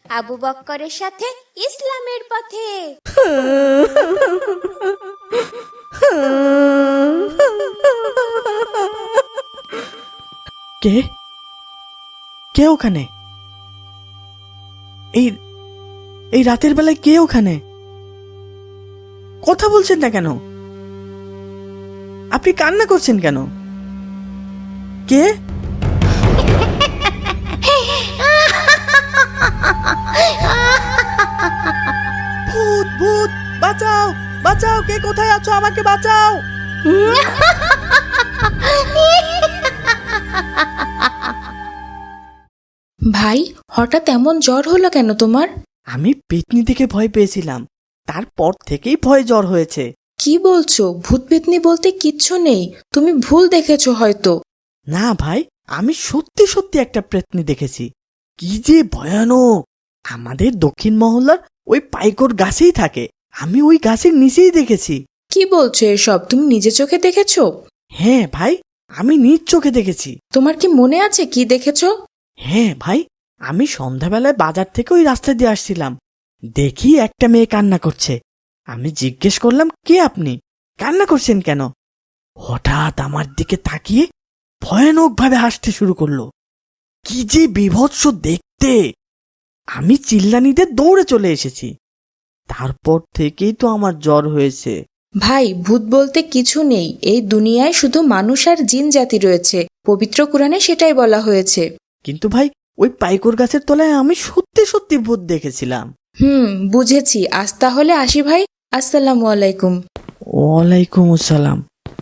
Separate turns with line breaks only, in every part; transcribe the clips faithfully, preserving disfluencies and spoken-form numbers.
আবু বক্করের সাথে ইসলামের পথে।
কে কে ওখানে? এই এই রাতের বেলায় কে ওখানে? কথা বলছেন না কেন? আপনি কান্না করছেন কেন? কে? ভূত ভূত বাঁচাও বাঁচাও, কে কোথায় আছো? আমাকে বাঁচাও।
ভাই, হঠাৎ এমন জ্বর হলো কেন তোমার?
আমি পেতনি দেখে ভয় পেয়েছিলাম, তারপর থেকেই ভয় জ্বর হয়েছে।
কি বলছো? ভূত পেতনি বলতে কিচ্ছু নেই, তুমি ভুল দেখেছো হয়তো।
না ভাই, আমি সত্যি সত্যি একটা পেতনি দেখেছি। কি যে ভয়ানক! আমাদের দক্ষিণ মহল্লার ওই পাইকর গাছেই থাকে, আমি ওই গাছের নিচেই দেখেছি।
কি বলছো এসব? তুমি নিজে চোখে দেখেছো?
হ্যাঁ ভাই, আমি নিজ চোখে দেখেছি।
তোমার কি মনে আছে কি দেখেছো?
হ্যাঁ ভাই, আমি সন্ধ্যাবেলায় বাজার থেকে ওই রাস্তা দিয়ে আসছিলাম, দেখি একটা মেয়ে কান্না করছে। আমি জিজ্ঞেস করলাম, কে আপনি? কান্না করছেন কেন? হঠাৎ আমার দিকে তাকিয়ে ভয়ানক ভাবে হাসতে শুরু করলো। কি যে বিভৎস দেখতে! আমি চিল্লানিতে দৌড়ে চলে এসেছি। তারপর থেকেই তো আমার জ্বর হয়েছে।
ভাই, ভূত বলতে কিছু নেই, এই দুনিয়ায় শুধু মানুষ আর জিন জাতি রয়েছে, পবিত্র কোরআনে সেটাই বলা হয়েছে।
কিন্তু ভাই, ওই পাইকর গাছের তলায় আমি সত্যি সত্যি ভূত দেখেছিলাম।
হুম, বুঝেছি। আজ তাহলে আসি ভাই। আসসালামু আলাইকুম।
ওয়ালাইকুম আসসালাম।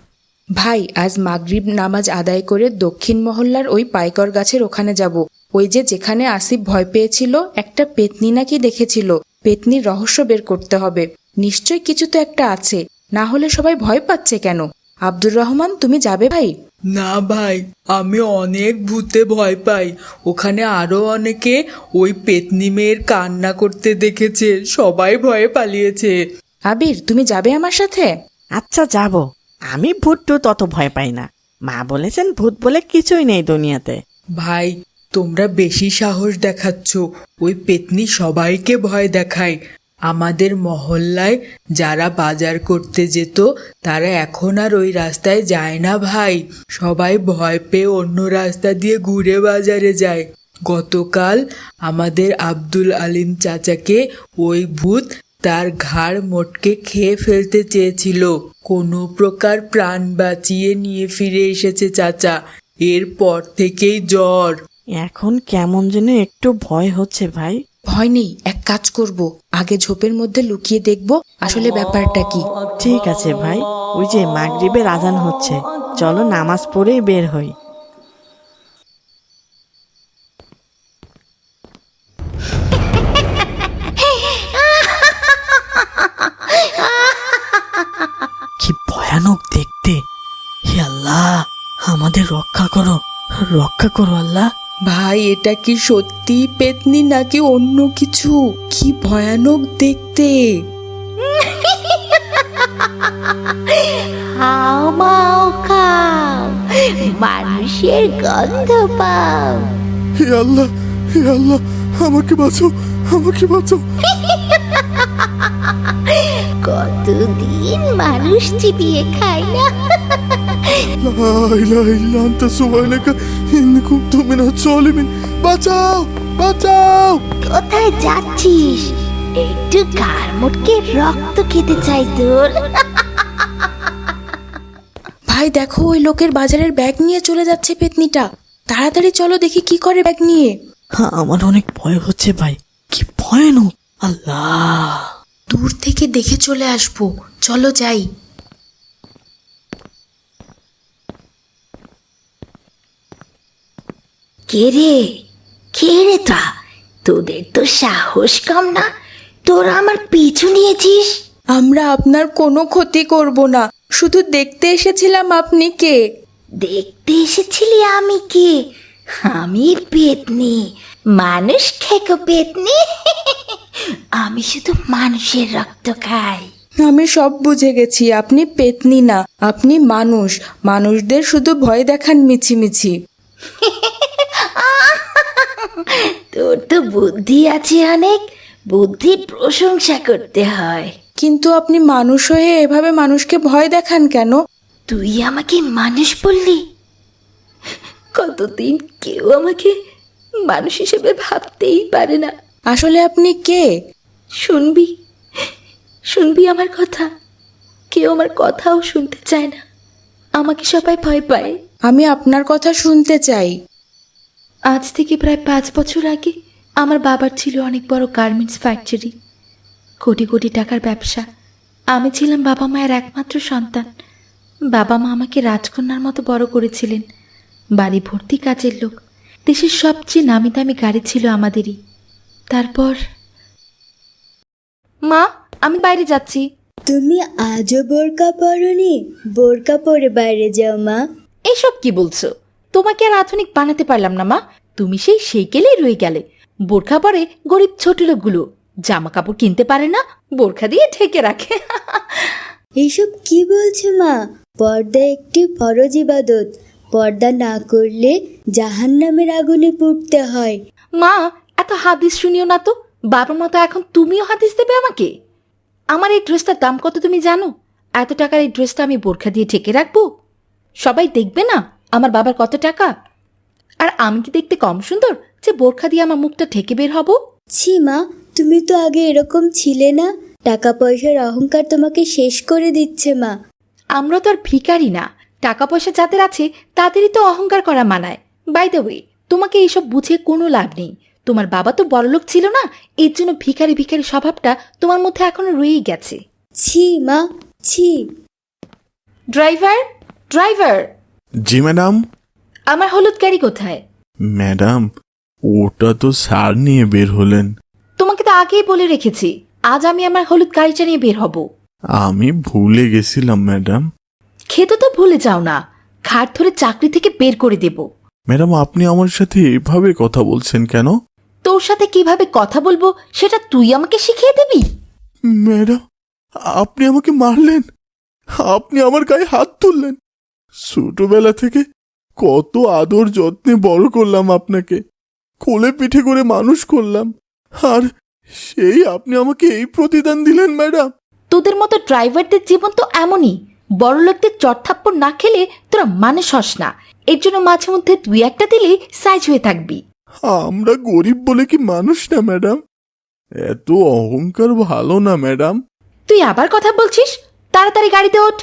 ভাই, আজ মাগরিব নামাজ আদায় করে দক্ষিণ মহল্লার ওই পাইকর গাছের ওখানে যাব। ওই যে যেখানে আসিফ ভয় পেয়েছিল, একটা পেতনি নাকি দেখেছিল। পেতনির রহস্য বের করতে হবে। নিশ্চয় কিছু তো একটা আছে, না হলে সবাই ভয় পাচ্ছে কেন? আব্দুর রহমান, তুমি যাবে ভাই?
না ভাই, আমি অনেক ভূতে ভয় পাই। ওখানে আরো অনেকে ওই পেতনি মেয়ের কান্না করতে দেখেছে, সবাই ভয়ে পালিয়েছে।
আবির, তুমি যাবে আমার সাথে?
আচ্ছা যাব। আমি ভূত টুত অত ভয় পাই না। মা বলেছেন ভূত বলে কিছুই নেই দুনিয়াতে।
ভাই, তোমরা বেশি সাহস দেখাচ্ছ। ওই পেতনি সবাইকে ভয় দেখায়। আমাদের মহল্লায় যারা বাজার করতে যেত, তারা এখন আর ওই রাস্তায় যায় না ভাই। সবাই ভয় পেয়ে অন্য রাস্তা দিয়ে ঘুরে বাজারে যায়। গতকাল আমাদের আব্দুল আলিম চাচাকে ওই ভূত তার ঘাড় মোটকে খেয়ে ফেলতে চেয়েছিল। কোনো প্রকার প্রাণ বাঁচিয়ে নিয়ে ফিরে এসেছে চাচা। এরপর থেকেই জ্বর।
এখন কেমন যেন একটু ভয় হচ্ছে ভাই।
ভয় নেই, এক কাজ করব, আগে ঝোপের মধ্যে লুকিয়ে দেখব আসলে ব্যাপারটা কি।
ঠিক আছে ভাই, ওই যে মাগরিবের আজান হচ্ছে, চলো নামাজ পড়েই বের হই। কি ভয়ানক দেখতে! হে আল্লাহ, আমাদের রক্ষা করো, রক্ষা করো আল্লাহ।
ভাই, এটা কি সত্যি পেতনি নাকি অন্য কিছু? কি ভয়ানক দেখতে!
হাও মাও খাও, মানুষের গন্ধ পাও।
হে আল্লাহ, হে আল্লাহ, আমাকে বাঁচাও, আমাকে বাঁচাও।
কতদিন মানুষ চিবিয়ে খায় না।
লা ইলাহা ইল্লা আনতা সুবহানাকা ইন্নী কুনতু মিনাজ জালিমিন। বাঁচাও, বাঁচাও।
কোথায় যাচ্ছিস? একটু ঘাড় মোটকে রক্ত খেতে চাই তোর।
ভাই দেখো, ওই লোকের বাজারের ব্যাগ নিয়ে চলে যাচ্ছে পেতনিটা। তাড়াতাড়ি চলো দেখি কি করে ব্যাগ নিয়ে।
হ্যাঁ, আমার অনেক ভয় হচ্ছে ভাই, কি ভয়ানক! আল্লাহ!
দূর থেকে দেখে চলে আসবো, চলো যাই।
কে রে, কে রে তা? তোদের তো সাহস কম না, তোরা আমার পিছু নিয়েছিস।
আমরা আপনার কোনো ক্ষতি করব না, শুধু দেখতে এসেছিলাম আপনি কে।
দেখতে এসেছিলি আমি কে? আমি পেতনি, মানুষ খেকো পেতনি। আমি শুধু মানুষের রক্ত খাই।
আমি সব বুঝে গেছি, আপনি পেতনি না, আপনি মানুষ। মানুষদের শুধু ভয় দেখান মিছিমিছি।
তোর তো বুদ্ধি আছে অনেক, বুদ্ধির প্রশংসা করতে হয়।
কিন্তু আপনি মানুষ হয়ে এভাবে মানুষকে ভয় দেখান কেন?
তুই আমাকে মানুষ বললি? কতদিন কেউ আমাকে মানুষ হিসেবে ভাবতেই পারে না।
আসলে আপনি কে?
শুনবি শুনবি আমার কথা? কেউ আমার কথাও শুনতে চায় না, আমাকে সবাই ভয় পায়।
আমি আপনার কথা শুনতে চাই।
আজ থেকে প্রায় পাঁচ বছর আগে আমার বাবার ছিল অনেক বড় গার্মেন্টস ফ্যাক্টরি, কোটি কোটি টাকার ব্যবসা। আমি ছিলাম বাবা মায়ের একমাত্র সন্তান। বাবা মা আমাকে রাজকন্যার মতো বড় করেছিলেন। বাড়ি ভর্তি কাজের লোক, দেশের সবচেয়ে নামি দামি গাড়ি ছিল আমাদেরই। তারপর মা, আমি বাইরে যাচ্ছি।
তুমি আজও বোরকা পরনি? বোরকা পরে বাইরে যাও মা।
এসব কি বলছো? তোমাকে আর আধুনিক বানাতে পারলাম না মা, তুমি সেই সেইকেলেই রয়ে গেলে। বোরখা পরে গরিব ছোট লোকগুলো জামা কাপড় কিনতে পারে না, বোরখা দিয়ে ঢেকে রাখে।
এইসব কি বলছো মা? পর্দা একটি ফরজ ইবাদত, পর্দা না করলে জাহান্নামের আগুনে পুড়তে হয়।
মা, এত হাদিস শুনিও না তো। বাবার মতো এখন তুমিও হাদিস দেবে আমাকে? আমার এই ড্রেসটার দাম কত তুমি জানো? এত টাকার এই ড্রেসটা আমি বোরখা দিয়ে ঢেকে রাখবো? সবাই দেখবে না আমার বাবার কত টাকা? আর আমি কি দেখতে কম সুন্দর যে বোরখা দিয়ে আমার মুখটা ঢেকে বের হব?
ছি মা, তুমি তো আগে এরকম ছিলে না। টাকা পয়সার অহংকার তোমাকে শেষ করে দিচ্ছে মা।
আমরা তো আর ভিখারি না। টাকা পয়সা যাদের আছে তাদেরই তো অহংকার করা মানায়। বাই দ্য ওয়ে, তোমাকে এইসব বুঝে কোনো লাভ নেই। তোমার বাবা তো বড়লোক ছিল না, এর জন্য ভিখারি ভিখারি স্বভাবটা তোমার মধ্যে এখনো রয়েই গেছে।
ছি মা, ছি।
Driver, driver.
জি ম্যাডাম।
আমার হলুদ গাড়ি কোথায়?
ম্যাডাম, ওটা তো স্যার নিয়ে বের হলেন।
তোমাকে তো আগেই বলে রেখেছি আজ আমি আমার হলুদ গাড়িটা নিয়ে বের হব।
আমি ভুলে গেছিলাম ম্যাডাম।
খেতে তো ভুলে যাও না, ঘাট ধরে চাকরি থেকে বের করে দেব।
ম্যাডাম, আপনি আমার সাথে এভাবে কথা বলছেন কেন?
তোর সাথে কিভাবে কথা বলবো সেটা তুই আমাকে শিখিয়ে দিবি?
ম্যাডাম, আপনি আমাকে মারলেন, আপনি আমার গায়ে হাত তুললেন। ছোটবেলা থেকে কত আদর যত্নে বড় করলাম আপনাকে, কোলে পিঠে করে মানুষ করলাম, আর সেই আপনি আমাকে এই প্রতিদান দিলেন ম্যাডাম।
তোদের মতো ড্রাইভারদের জীবন তো এমনই, বড় লোকদের চটথাপ্পড় না খেলে তোরা মানুষ হস না। এর জন্য মাঝে মধ্যে তুই একটা দিলেই সাইজ হয়ে থাকবি।
আমরা গরিব বলে কি মানুষ না ম্যাডাম? এত অহংকার ভালো না ম্যাডাম।
তুই আবার কথা বলছিস? তাড়াতাড়ি গাড়িতে ওঠ।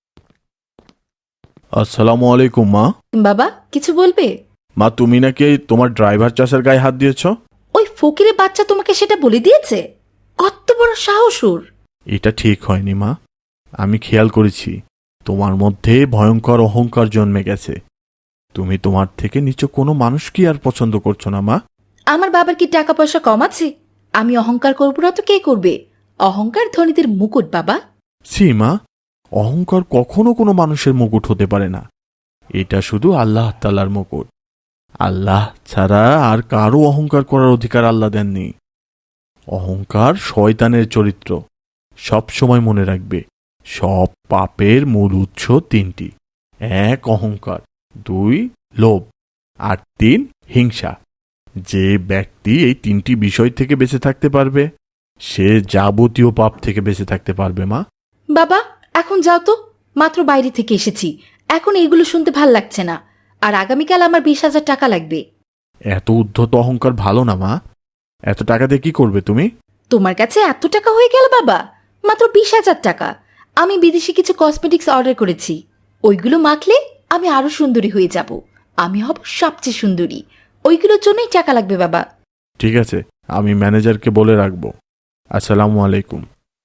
আসসালামু আলাইকুম মা।
বাবা, কিছু বলবে?
মা, তুমি নাকি তোমার ড্রাইভার চাষার গায়ে হাত দিয়েছ?
ওই ফকিরের বাচ্চা তোমাকে সেটা বলে দিয়েছে? কত বড় সাহস ওর!
এটা ঠিক হয়নি মা, আমি খেয়াল করেছি তোমার মধ্যে ভয়ঙ্কর অহংকার জন্মে গেছে। তুমি তোমার থেকে নিচু কোনো মানুষ কি আর পছন্দ করছো না মা?
আমার বাবার কি টাকা পয়সা কম আছে? আমি অহংকার করবো না তো কে করবে? অহংকার ধনীদের মুকুট বাবা।
সি মা, অহংকার কখনো কোনো মানুষের মুকুট হতে পারে না। এটা শুধু আল্লাহ তাআলার মুকুট। আল্লাহ ছাড়া আর কারো অহংকার করার অধিকার আল্লাহ দেননি। অহংকার শয়তানের চরিত্র। সব সময় মনে রাখবে, সব পাপের মূল উৎস তিনটি। এক, অহংকার; দুই, লোভ; আর তিন, হিংসা। যে ব্যক্তি এই তিনটি বিষয় থেকে বেঁচে থাকতে পারবে সে যাবতীয় পাপ থেকে বেঁচে থাকতে পারবে মা।
বাবা, এখন যাও তো, মাত্র বাইরে থেকে এসেছি, এখন এইগুলো শুনতে ভাল লাগছে না। আর আগামীকাল আমার বিশ হাজার টাকা লাগবে।
এত উদ্ধত অহংকার ভালো না মা। এত টাকা দিয়ে কি করবে তুমি?
তোমার কাছে এত টাকা হয়ে গেল বাবা? মাত্র বিশ হাজার টাকা। আমি বিদেশি কিছু কসমেটিক্স অর্ডার করেছি, ওইগুলো মাখলে আমি আরো সুন্দরী হয়ে যাব। আমি হব সবচেয়ে সুন্দরী। ওইগুলোর জন্যই টাকা লাগবে বাবা।
ঠিক আছে, আমি ম্যানেজারকে বলে রাখবো। আসসালামু আলাইকুম।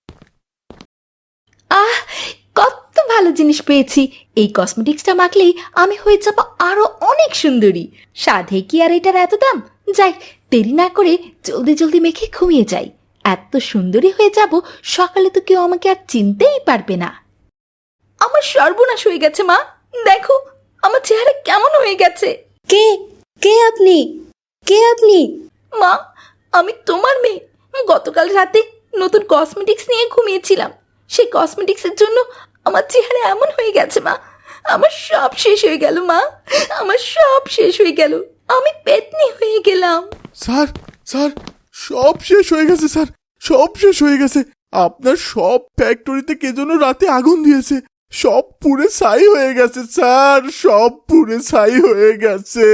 আহ, কত ভালো জিনিস পেয়েছি। এই কসমেটিক্সটা মাখলেই আমি হয়ে যাব আরো অনেক সুন্দরী। সাধে কি আর এটার এত দাম? যাই, দেরি না করে জলদি জলদি মেখে ঘুমিয়ে যাই। এত সুন্দরী হয়ে যাব, সকালে তো কেউ আমাকে আর চিনতেই পারবে না। আমার সর্বনাশ হয়ে গেছে মা, দেখো আমার চেহারা কেমন হয়ে গেছে।
কে কে আপনি? কে আপনি?
মা, আমি তোমার মেয়ে। গতকাল রাতে নতুন কসমেটিক্স নিয়ে ঘুমিয়েছিলাম, সেই কসমেটিক্সের জন্য আমার চেহারা এমন হয়ে গেছে মা। আমার সব শেষ হয়ে গেল মা, আমার সব শেষ হয়ে গেল। আমি পেতনি হয়ে গেলাম।
স্যার স্যার সব শেষ হয়ে গেছে স্যার, সব শেষ হয়ে গেছে। আপনার সব ফ্যাক্টরিতে কে যেন রাতে আগুন দিয়েছে, সব পুড়ে ছাই হয়ে গেছে স্যার, সব পুড়ে ছাই হয়ে গেছে।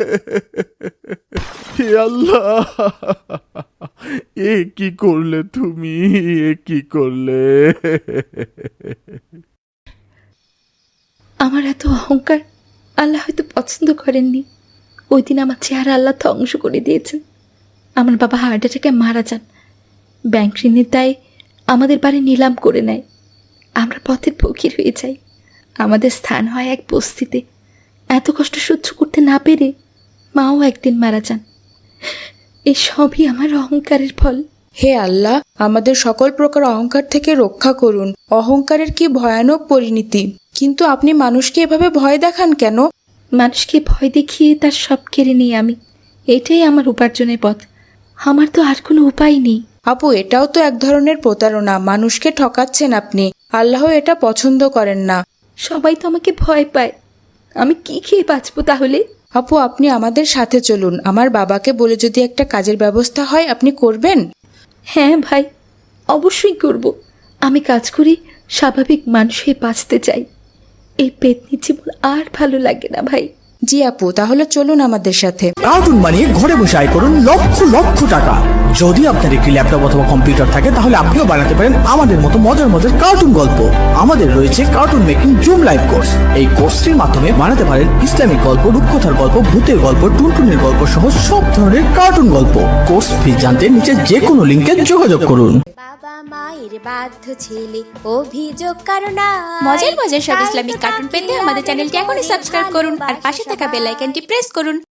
হে আল্লাহ, এ কি করলে তুমি, এ কি করলে?
আমার এত অহংকার আল্লাহ হয়তো পছন্দ করেননি। ওই দিন আমার চেহারা আল্লাহ ধ্বংস করে দিয়েছেন। আমার বাবা হার্ট অ্যাটাকে মারা যান। ব্যাংক ঋণের দায়ে আমাদের বাড়ি নিলাম করে নেয়। আমরা পথের ফকির হয়ে যাই। আমাদের স্থান হয় এক বস্তিতে। এত কষ্ট সহ্য করতে না পেরে মাও একদিন মারা যান। এই সবই আমার অহংকারের ফল।
হে আল্লাহ, আমাদের সকল প্রকার অহংকার থেকে রক্ষা করুন। অহংকারের কি ভয়ানক পরিণতি! কিন্তু আপনি মানুষকে এভাবে ভয় দেখান কেন?
মানুষকে ভয় দেখিয়ে তার সব কেড়ে নিই আমি। এটাই আমার উপার্জনের পথ। আমার তো আর কোনো উপায় নেই।
আপু, এটাও তো এক ধরনের প্রতারণা। মানুষকে ঠকাচ্ছেন আপনি। আল্লাহ এটা পছন্দ করেন না।
সবাই তো আমাকে ভয় পায়। আমি কি খেয়ে বাঁচবো তাহলে?
আপু, আপনি আমাদের সাথে চলুন। আমার বাবাকে বলে যদি একটা কাজের ব্যবস্থা হয়, আপনি করবেন?
হ্যাঁ ভাই, অবশ্যই করব। আমি কাজ করি স্বাভাবিক মানুষ হয়ে বাঁচতে চাই। এই পেতনি জীবন আর ভালো লাগে না ভাই।
জি আপু, তাহলে চলুন আমাদের সাথে।
কার্টুন বানিয়ে ঘরে বসে আয় করুন লক্ষ লক্ষ টাকা। যদি আপনার একটি ল্যাপটপ অথবা কম্পিউটার থাকে তাহলে আপনিও বানাতে পারেন আমাদের মতো মজার মজার কার্টুন গল্প। আমাদের রয়েছে cartoon making zoom live course. এই কোর্সটির মাধ্যমে বানাতে পারেন ইসলামিক গল্প, রূপকথার গল্প, ভূতের গল্প, টুনটুনের গল্প সহ সব ধরনের কার্টুন গল্প। কোর্স ফি জানতে নিচে যে কোনো লিঙ্কে যোগাযোগ করুন।
বাবা মায়ের বাধ্য ছেলে অভিযোগ কারণ
মজার মজার সব ইসলামিক কার্টুন পেতে আমাদের চ্যানেলটি এখনই সাবস্ক্রাইব করুন আর পাশে থাকা বেল আইকনটি প্রেস করুন।